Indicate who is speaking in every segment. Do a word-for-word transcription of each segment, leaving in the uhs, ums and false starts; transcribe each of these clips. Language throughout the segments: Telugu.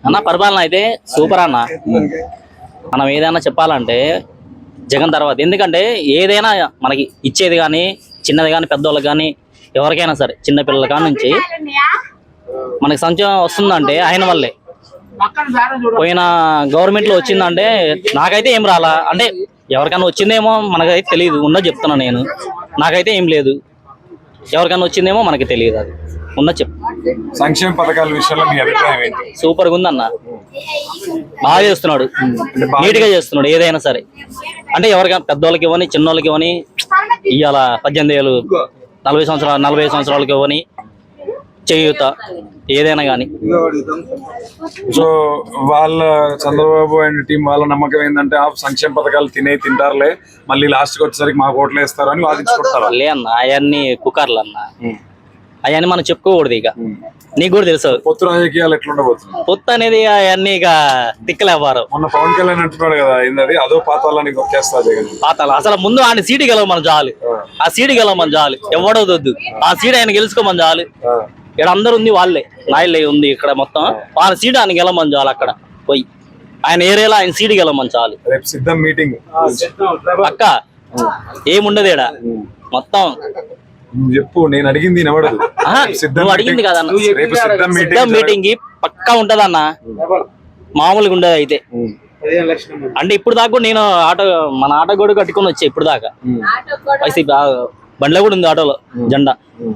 Speaker 1: అన్న పరిపాలన అయితే సూపర్ అన్న. మనం ఏదైనా చెప్పాలంటే జగన్ తర్వాత, ఎందుకంటే ఏదైనా మనకి ఇచ్చేది కానీ చిన్నది కానీ పెద్దోళ్ళకి కానీ ఎవరికైనా సరే చిన్నపిల్లల కాడ నుంచి మనకి సంక్షేమం వస్తుందంటే ఆయన వల్లే. పోయిన గవర్నమెంట్ లో వచ్చిందంటే నాకైతే ఏం రాలా, అంటే ఎవరికైనా వచ్చిందేమో మనకైతే తెలియదు, ఉన్నది చెప్తున్నా నేను. నాకైతే ఏం లేదు, ఎవరికైనా వచ్చిందేమో మనకి తెలియదు, అది ఉన్నది చెప్.
Speaker 2: సంక్షేమ పథకాల విషయంలో మీ అభిప్రాయం ఏంటి?
Speaker 1: సూపర్ గా ఉందన్న, బాగా చేస్తున్నాడు, నీట్ గా చేస్తున్నాడు ఏదైనా సరే. అంటే ఎవరికైనా పెద్దోళ్ళకి ఇవ్వని చిన్నోళ్ళకి ఇవ్వని, ఇవాళ పద్దెనిమిది ఏళ్ళు నలభై సంవత్సరాలు నలభై సంవత్సరాలకి ఇవ్వని, చేయూత ఏదైనా కానీ.
Speaker 2: సో వాళ్ళ చంద్రబాబు అండ్ టీం వాళ్ళ నమ్మకం ఏంటంటే ఆ సంక్షేమ పథకాలు తినే తింటారులే, మళ్ళీ లాస్ట్ కి వచ్చేసరికి మాకు ఓట్లు వేస్తారు అని వాదించుకుంటారు.
Speaker 1: లే అన్న, అవన్నీ కుక్కర్లు అన్న, అవన్నీ మనం చెప్పుకోకూడదు. ఇక నీకు కూడా తెలుసు
Speaker 2: పొత్తు రాజకీయాలు ఎట్లుండబోతుంది.
Speaker 1: పొత్తు అనేది అవన్నీ ఇక తిక్కలేవారు.
Speaker 2: మొన్న పవన్ కళ్యాణ్ అంటున్నాడు కదా, ఏంటది అదో పాతాలని వచ్చేస్తుంది.
Speaker 1: పాతాలు అసలు ముందు ఆయన సీటు గెలవమని చాలు, ఆ సీటు గెలవమని చాలు, ఎవడవద్దు, ఆ సీటు ఆయన గెలుచుకోమని చాలు. ఇక్కడ అందరు ఉంది వాళ్ళే, నాయుళ్ళే ఉంది ఇక్కడ మొత్తం, వాళ్ళ సీటు ఆయన గెలవమని చాలు. అక్కడ పోయి ఆయన ఏరియాలో ఆయన సీటు గెలవమని చాలు.
Speaker 2: రేపు సిద్ధం మీటింగ్
Speaker 1: పక్క ఏముండదు ఈడ మొత్తం.
Speaker 2: చెప్పు, నేను అడిగింది వినబడదు.
Speaker 1: నువ్వు అడిగింది కదన్న,
Speaker 2: రేపు సిద్ధం
Speaker 1: సిద్ధం మీటింగ్ పక్కా ఉంటదన్న, మామూలుగా ఉండదు అయితే. అంటే ఇప్పుడు దాకా కూడా నేను ఆటో, మన ఆటో కూడా కట్టుకొని వచ్చా ఇప్పుడు దాకా. వైసీపీ బండ్లో కూడా ఉంది ఆటోలో జెండా.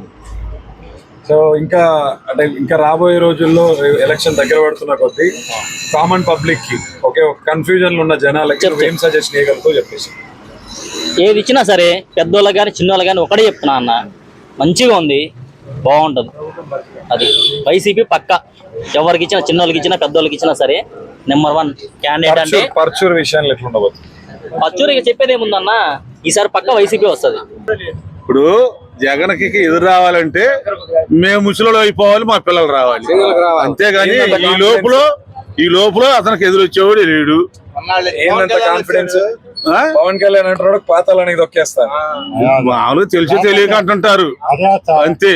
Speaker 2: సో ఇంకా అంటే ఇంకా రాబోయే రోజుల్లో ఎలక్షన్ దగ్గర పడుతున్న కొద్దీ కామన్ పబ్లిక్ కి ఒకే ఒక కన్ఫ్యూజన్ ఉన్న జనాలకి ఏం సజెస్ట్ చేయగలుగుతావు చెప్పేసి.
Speaker 1: ఏది ఇచ్చినా సరే పెద్దోళ్ళకి కానీ చిన్నోళ్ళకి కానీ ఒకటే చెప్తున్నా అన్న, మంచిగా ఉంది, బాగుంటుంది. అది వైసీపీ పక్క, ఎవరికి ఇచ్చినా చిన్నోళ్ళకి ఇచ్చినా పెద్దోళ్ళకి ఇచ్చినా సరే నెంబర్ వన్ క్యాండిడేట్. అంటే
Speaker 2: పర్చూర్ విషయాన్ని ఎట్లుండబోతుంది?
Speaker 1: పర్చూరు చెప్పేది ఏముందన్న, ఈసారి పక్క వైసీపీ వస్తుంది.
Speaker 3: ఇప్పుడు జగన్కి ఎదురు రావాలంటే మేము ముసలిలో అయిపోవాలి, మా పిల్లలు రావాలి, అంతేగాని ఈ లోపల ఈ లోపల అతనికి ఎదురు వచ్చేవాడు లేడు.
Speaker 2: కాన్ఫిడెన్స్ పవన్ కళ్యాణ్ అంటున్నాడు పాతాలని దొక్కేస్తాను,
Speaker 3: మామూలుగా తెలిసి తెలియక అంటుంటారు, అంతే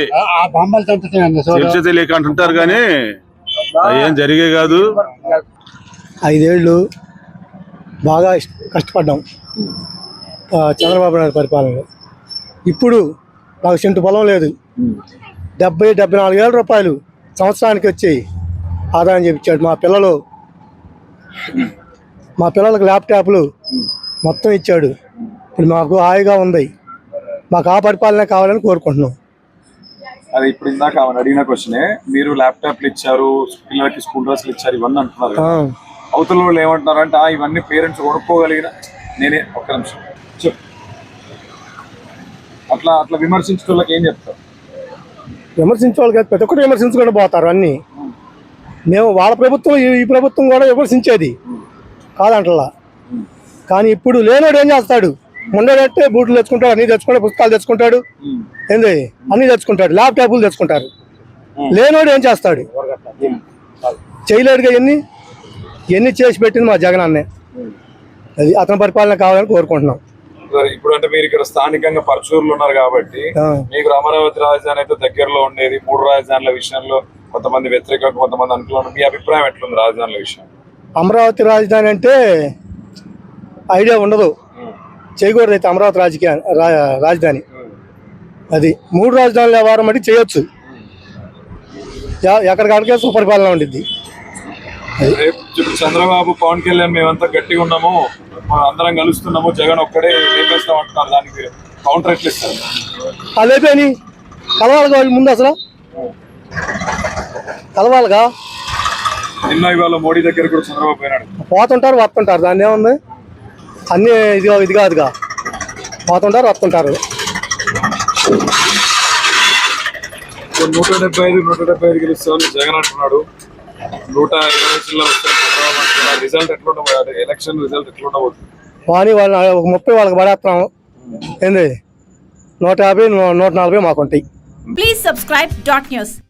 Speaker 3: తెలిసి తెలియక అంటుంటారు కానీ ఏం జరిగే కాదు.
Speaker 4: ఐదేళ్లు బాగా కష్టపడ్డాం చంద్రబాబు నాయుడు పరిపాలనలో. ఇప్పుడు నాకు సెంటు పొలం లేదు, డెబ్బై డెబ్బై నాలుగు వేల రూపాయలు సంవత్సరానికి వచ్చి ఆదాయం చేయించాడు. మా పిల్లలు మా పిల్లలకు ల్యాప్టాప్లు మొత్తం ఇచ్చాడు. ఇప్పుడు మాకు హాయిగా ఉంది, మాకు ఆ పరిపాలన కావాలని కోరుకుంటున్నాం.
Speaker 2: అది ఇప్పుడు ఇందాక అడిగిన క్వశ్చనే, మీరు ల్యాప్టాప్లు ఇచ్చారు, పిల్లలకి స్కూల్ డ్రెస్లు ఇచ్చారు, ఇవన్నీ అంటున్నారు. అవతల వాళ్ళు ఏమంటున్నారు అంటే ఇవన్నీ పేరెంట్స్ కొనుక్కోగలిగిన, నేనే ఒక్క నిమిషం చెప్పు, అట్లా అట్లా విమర్శించే వాళ్ళకి ఏం చెప్తారు?
Speaker 4: విమర్శించే వాళ్ళు కాదు, ప్రతి ఒక్కటి విమర్శించుకుంటూ పోతారు అన్నీ. మేము వాళ్ళ ప్రభుత్వం ఈ ప్రభుత్వం కూడా విమర్శించేది కాదంటలా, కానీ ఇప్పుడు లేనోడు ఏం చేస్తాడు? ముండేటట్టే బూట్లు తెచ్చుకుంటాడు, అన్ని తెచ్చుకుంటాడు, పుస్తకాలు తెచ్చుకుంటాడు, ఏంది అన్ని తెచ్చుకుంటాడు, ల్యాప్టాప్లు తెచ్చుకుంటారు. లేనోడు ఏం చేస్తాడు? చేయలేడుగా. ఎన్ని ఎన్ని చేసి పెట్టింది మా జగన్ అన్నే. అది అతని పరిపాలన కావాలని కోరుకుంటున్నాం.
Speaker 2: ఇప్పుడు అంటే మీరు ఇక్కడ స్థానికంగా పరచూరులో ఉన్నారు కాబట్టి మీకు అమరావతి రాజధాని అయితే దగ్గరలో ఉండేది. మూడు రాజధానుల విషయంలో కొంతమంది వ్యతిరేక, కొంతమంది అనుకూలంగా, మీ అభిప్రాయం ఎట్లుంది రాజధానుల విషయం?
Speaker 4: అమరావతి రాజధాని అంటే ఐడియా ఉండదు, చేయకూడదు అయితే అమరావతి రాజకీయ రాజధాని. అది మూడు రాజధానుల వ్యవహారం బట్టి చేయొచ్చు, ఎక్కడికక్కడికే సుపరిపాలన ఉండిద్ది.
Speaker 2: చంద్రబాబు పవన్ కళ్యాణ్ మేమంతా గట్టిగా ఉన్నాము, అందరం కలుస్తున్నాము, జగన్ ఒక్కడే లేపేస్తాం అంటున్నారు, దానికి కౌంటర్ ఎట్లా ఇస్తారు?
Speaker 4: లేపేని కలవాలిగా వాళ్ళు ముందు, అసలు కలవాలిగా.
Speaker 2: నిన్న ఇవాళ మోడీ దగ్గర కూడా చంద్రబాబు పోయినాడు.
Speaker 4: పోతుంటారు వస్తుంటారు, దాన్ని ఏముంది, అన్నీ ఇది ఇది కాదుగా, పోతుంటారు వస్తుంటారు.
Speaker 2: నూట డెబ్బై ఐదు నూట డెబ్బై ఐదు గెలుస్తామని జగన్ అంటున్నాడు, నూట ఇరవై జిల్లా వస్తాయి. రిజల్ట్ ఎట్లుండబోతుంది? ఎలక్షన్ రిజల్ట్ ఎట్లుండబోతుంది?
Speaker 4: కానీ వాళ్ళు ఒక ముప్పై వాళ్ళకి పడేస్తున్నాము, ఏంది నూట యాభై నూట నలభై మాకు ఉంటాయి.
Speaker 5: Please subscribe dot news.